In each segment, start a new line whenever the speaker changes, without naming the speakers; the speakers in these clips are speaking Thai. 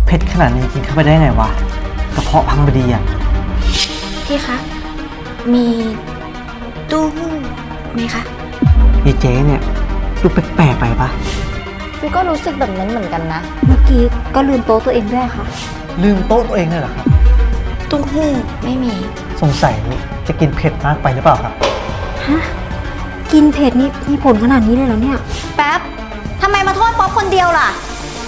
เผ็ดขนาดนี้กินเข้าไปได้ไงวะกระเพาะพังพอดีอ่ะ
พี่คะมีตู้หู้ไหมคะ
ยายเจ๊เนี่ยดูแปลกๆไปปะ
ฟิวก็รู้สึกแบบนั้นเหมือนกันนะ
เมื่อกี้ก็ลืมโต๊ะตัวเองด้วยค่ะ
ลืมโต๊ะตัวเองเลยเหรอครับ
ตู้หู้ไม่มี
สงสัยจะกินเผ็ดมากไปหรือเปล่าครับ
ฮะกินเผ็ดนี่มีผลขนาดนี้เลยเหรอเนี่ย
แป๊บทำไมมาโทษป๊อปคนเดียวล่ะ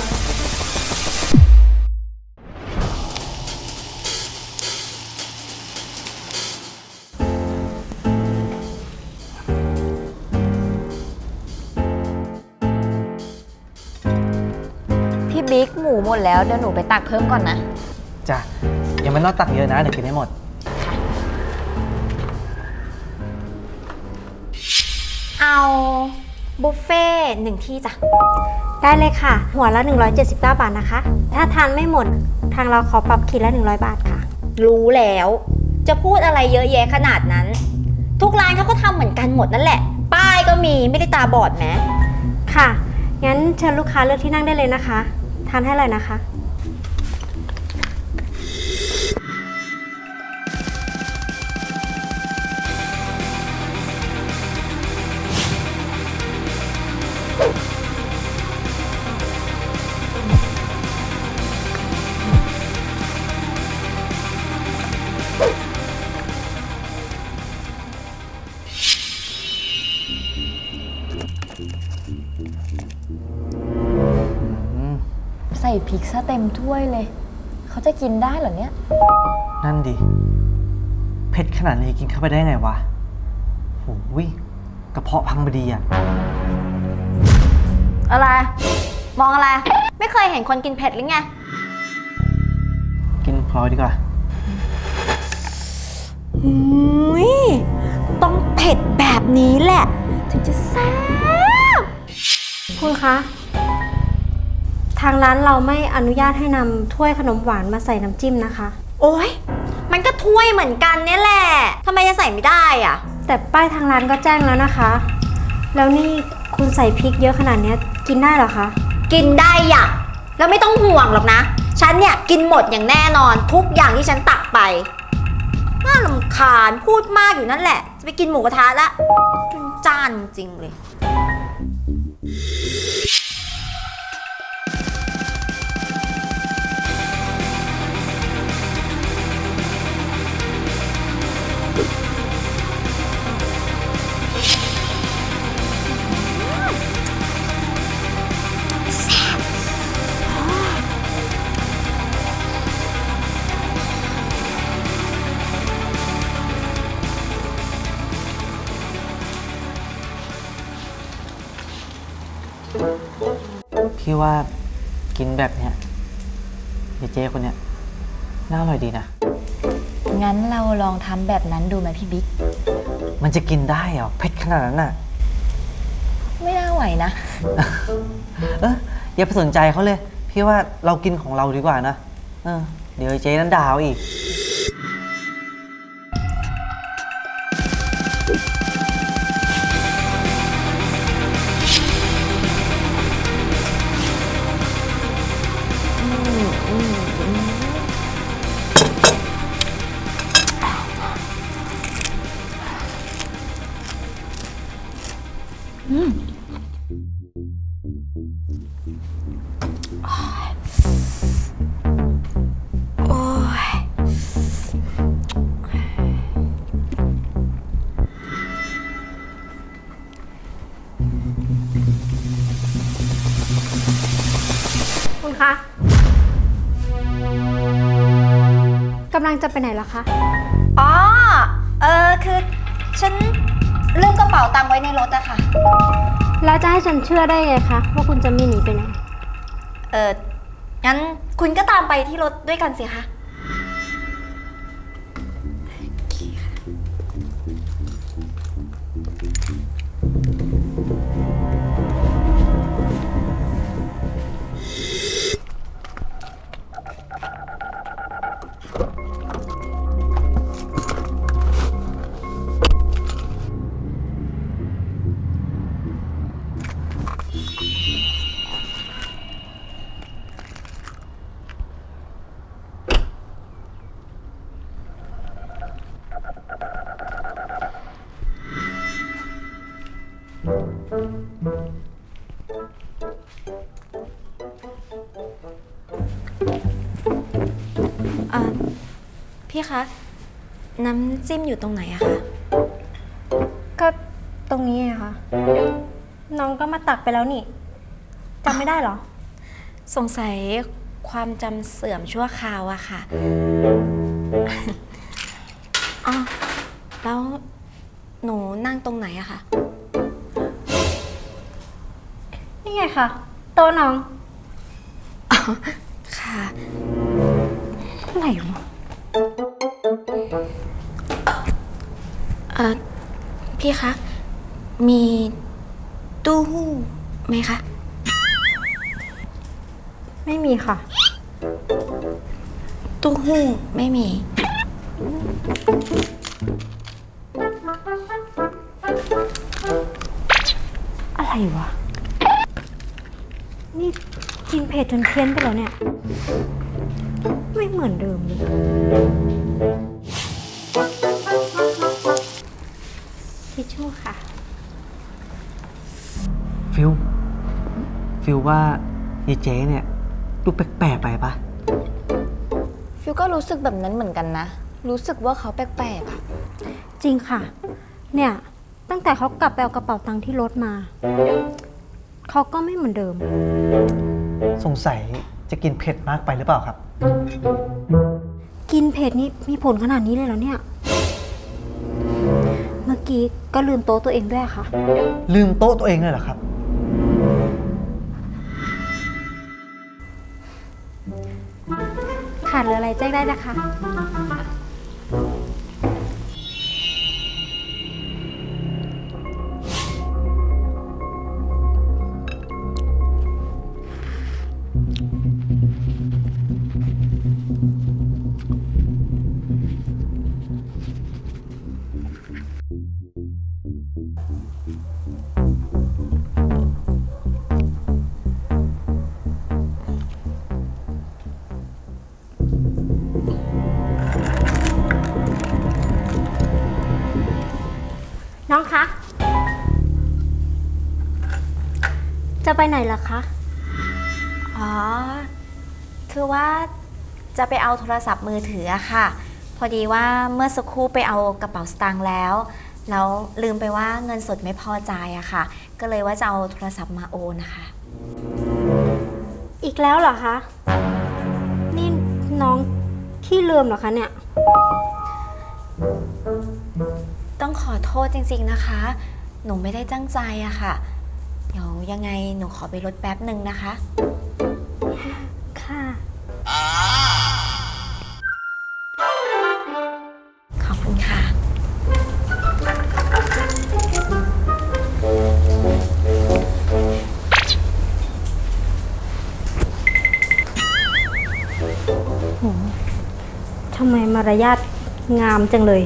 พี่บิ๊กหมูหมดแล้วเดี๋ยวหนูไปตักเพิ่มก่อนนะ
จ้ะยังไม่ต้องตักเยอะนะเดี๋ยวกินให้หมด
เอาบุฟเฟ่1ที่จ้ะ
ได้เลยค่ะหัวละ179 บาทนะคะถ้าทานไม่หมดทางเราขอปรับขีดละ100 บาทค่ะ
รู้แล้วจะพูดอะไรเยอะแยะขนาดนั้นทุกร้านเขาก็ทำเหมือนกันหมดนั่นแหละป้ายก็มีไม่ได้ตาบอดไหม
ค่ะงั้นเชิญลูกค้าเลือกที่นั่งได้เลยนะคะทานให้เลยนะคะ
ใส่พริกซะเต็มถ้วยเลยเขาจะกินได้เหรอเนี่ย
นั่นดิเผ็ดขนาดนี้กินเข้าไปได้ไงวะโอ้ยกระเพาะพังพอดีอ่ะ
อะไรมองอะไรไม่เคยเห็นคนกินเผ็ดหรือไง
กินพลอยดีกว่า
ต้องเผ็ดแบบนี้แหละถึงจะแซ่บคุณคะทางร้านเราไม่อนุญาตให้นำถ้วยขนมหวานมาใส่น้ำจิ้มนะคะ
โอ๊ยมันก็ถ้วยเหมือนกันเนี่ยแหละทำไมจะใส่ไม่ได้อ่ะ
แต่ป้ายทางร้านก็แจ้งแล้วนะคะแล้วนี่คุณใส่พริกเยอะขนาดนี้กินได้เหรอคะ
กินได้อ่ะแล้วไม่ต้องห่วงหรอกนะฉันเนี่ยกินหมดอย่างแน่นอนทุกอย่างที่ฉันตักไปน่ารำคาญพูดมากอยู่นั่นแหละจะไปกินหมูกระทะละจานจริงเลย
พี่ว่ากินแบบเนี้ยเจ๊คนเนี้ยน่าอร่อยดีนะ
งั้นเราลองทำแบบนั้นดูไหมพี่บิ๊ก
มันจะกินได้เหรอเผ็ดขนาดนั้นน่ะ
ไม่น่าไหวนะ
อย่าไปสนใจเขาเลยพี่ว่าเรากินของเราดีกว่านะเดี๋ยวเจ๊นั้นด่าเอาอีก
คุณคะกำลังจะไปไหนล่ะคะ
อ๋อคือฉันลืมกระเป๋าตังค์ไว้ในรถอะค่ะ
แล้วจะให้ฉันเชื่อได้ไงคะว่าคุณจะไม่หนีไปไหน
งั้นคุณก็ตามไปที่รถด้วยกันสิคะพี่คะ น้ำจิ้มอยู่ตรงไหนอะคะ
ก็ตรงนี้ไงคะน้องก็มาตักไปแล้วนี่จำไม่ได้เหรอ
สงสัยความจำเสื่อมชั่วคราวอะค่ะ อ๋อ แล้วหนูนั่งตรงไหนอะคะ
นี่ไงคะโต๊ะน้อง
ค่ะ
อะไรวะ
พี่คะ มีตู้หู้ไหมคะ
ไม่มีค่ะ
ตู้หู้ไม่มี
อะไรวะ นี่กินเผ็ดจนเพี้ยนไปแล้วเนี่ย ไม่เหมือนเดิมเลยทิชชู่ค่ะ
ฟิลว่ายายเจ๊เนี่ยดูแปลกๆไปปะ
ฟิวก็รู้สึกแบบนั้นเหมือนกันนะ รู้สึกว่าเขาแปลกๆอะ
จริงค่ะ เนี่ย ตั้งแต่เขากลับไปเอากระเป๋าตังค์ที่รถมา เขาก็ไม่เหมือนเดิม
สงสัยจะกินเผ็ดมากไปหรือเปล่าครับ
กินเผ็ดนี่มีผลขนาดนี้เลยเหรอเนี่ย เมื่อกี้ก็ลืมโต๊ะตัวเองด้วยค่ะ
ลืมโต๊ะตัวเองเลยเหรอครับ
ขาดหรืออะไรแจ้งได้นะคะ น้องคะ จะไปไหนล่ะคะ
อ๋อ คือว่าจะไปเอาโทรศัพท์มือถืออะค่ะ พอดีว่าเมื่อสักครู่ไปเอากระเป๋าสตางค์แล้วลืมไปว่าเงินสดไม่พอจ่ายอะค่ะ ก็เลยว่าจะเอาโทรศัพท์มาโอนนะคะ
อีกแล้วเหรอคะ นี่น้องขี้ลืมเหรอคะเนี่ย
ต้องขอโทษจริงๆนะคะ หนูไม่ได้ตั้งใจอะค่ะ เดี๋ยวยังไงหนูขอไปรถแป๊บหนึ่งนะคะ
ค่ะ
ขอบคุณค่ะ
ทำไมมารยาทงามจังเลย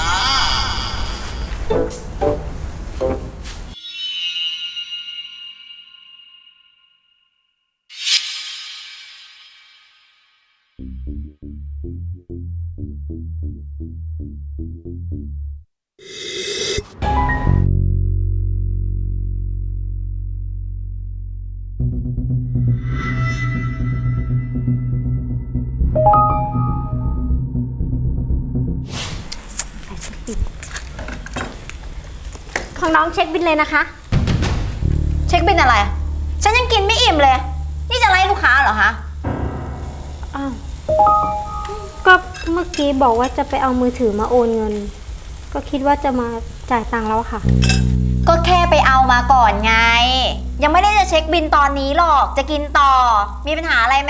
ของน้องเช็คบิลเลยนะคะ
เช็คบินอะไร ฉันยังกินไม่อิ่มเลย นี่จะไล่ลูกค้าเหรอคะ
อ้าว ก็เมื่อกี้บอกว่าจะไปเอามือถือมาโอนเงิน ก็คิดว่าจะมาจ่ายตังค์แล้วค่ะ
ก็แค่ไปเอามาก่อนไง ยังไม่ได้จะเช็คบินตอนนี้หรอก จะกินต่อ มีปัญหาอะไรไหม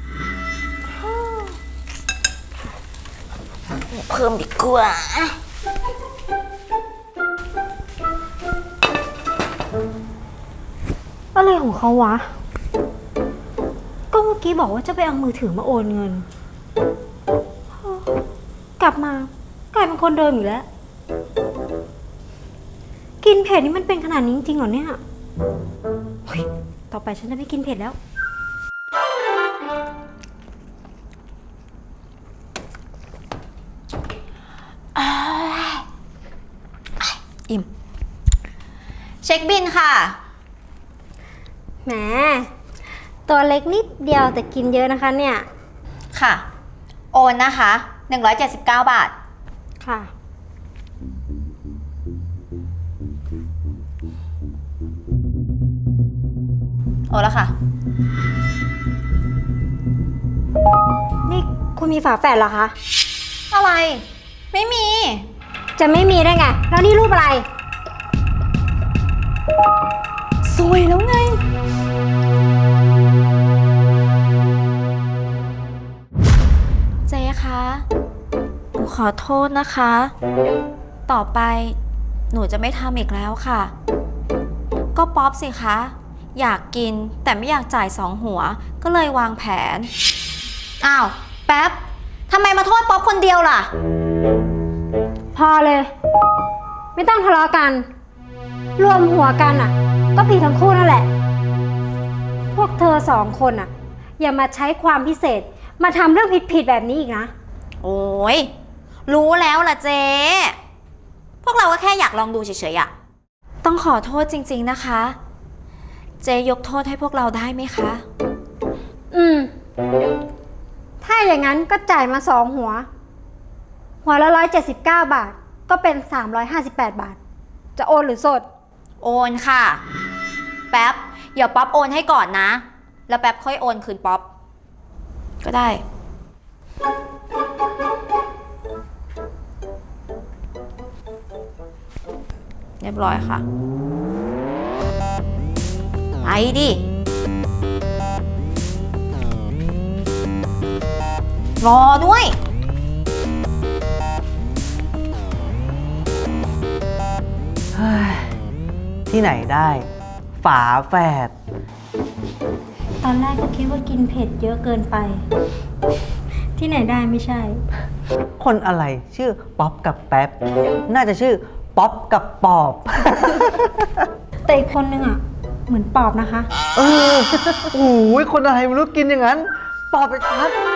เพิ่มดีกว่า
อะไรของเขาวะ ก็เมื่อกี้บอกว่าจะไปเอามือถือมาโอนเงิน กลับมากลายเป็นคนเดิมอยู่แล้ว กินเผ็ดนี่มันเป็นขนาดนี้จริงๆเหรอเนี่ยเฮ้ยต่อไปฉันจะไม่กินเผ็ดแล้ว
อิ่ม เช็คบินค่ะ
แหม ตัวเล็กนิดเดียวแต่กินเยอะนะคะเนี่ย
ค่ะ โอนนะคะ 179 บาท
ค่ะ
โอ้แล้วค่ะ
นี่คุณมีฝาแฝดเหรอคะ
อะไร ไม่มี
จะไม่มีได้ไง แล้วนี่รูปอะไร
สวยแล้วไง เจ๊คะ หนูขอโทษนะคะ ต่อไปหนูจะไม่ทำอีกแล้วค่ะ ก็ป๊อปสิคะ อยากกินแต่ไม่อยากจ่าย2 หัว ก็เลยวางแผน อ้าว แป๊บ ทำไมมาโทษป๊อปคนเดียวล่ะ
พอเลย ไม่ต้องทะเลาะกัน รวมหัวกันอ่ะ ก็ผิดทั้งคู่นั่นแหละ พวกเธอ2 คนอ่ะ อย่ามาใช้ความพิเศษ มาทำเรื่องผิดๆแบบนี้อีกนะ
โอ้ย รู้แล้วล่ะเจ๊ พวกเราก็แค่อยากลองดูเฉยๆอะต้องขอโทษจริงๆนะคะ เจ๊ยกโทษให้พวกเราได้ไหมคะ
อืม ถ้าอย่างนั้นก็จ่ายมา2 หัว หัวละ179 บาท ก็เป็น358 บาท จะโอนหรือสด
โอนค่ะ แป๊บเดี๋ยวป๊อปโอนให้ก่อนนะ แล้วแป๊บค่อยโอนคืนป๊อป ก็ได้ เรียบร้อยค่ะ ไปดิ รอด้วย
เฮ้ย ที่ไหนได้ ฝาแฝด
ตอนแรกก็คิดว่ากินเผ็ดเยอะเกินไป ที่ไหนได้ไม่ใช่
คนอะไรชื่อป๊อปกับแป๊บ น่าจะชื่อป๊อปกับปอบ
แต่อีกคนนึงอ่ะ เหมือนปอบนะคะ
เออโอ้ยคนอะไรไม่รู้กินอย่างนั้น ปอบไปชัด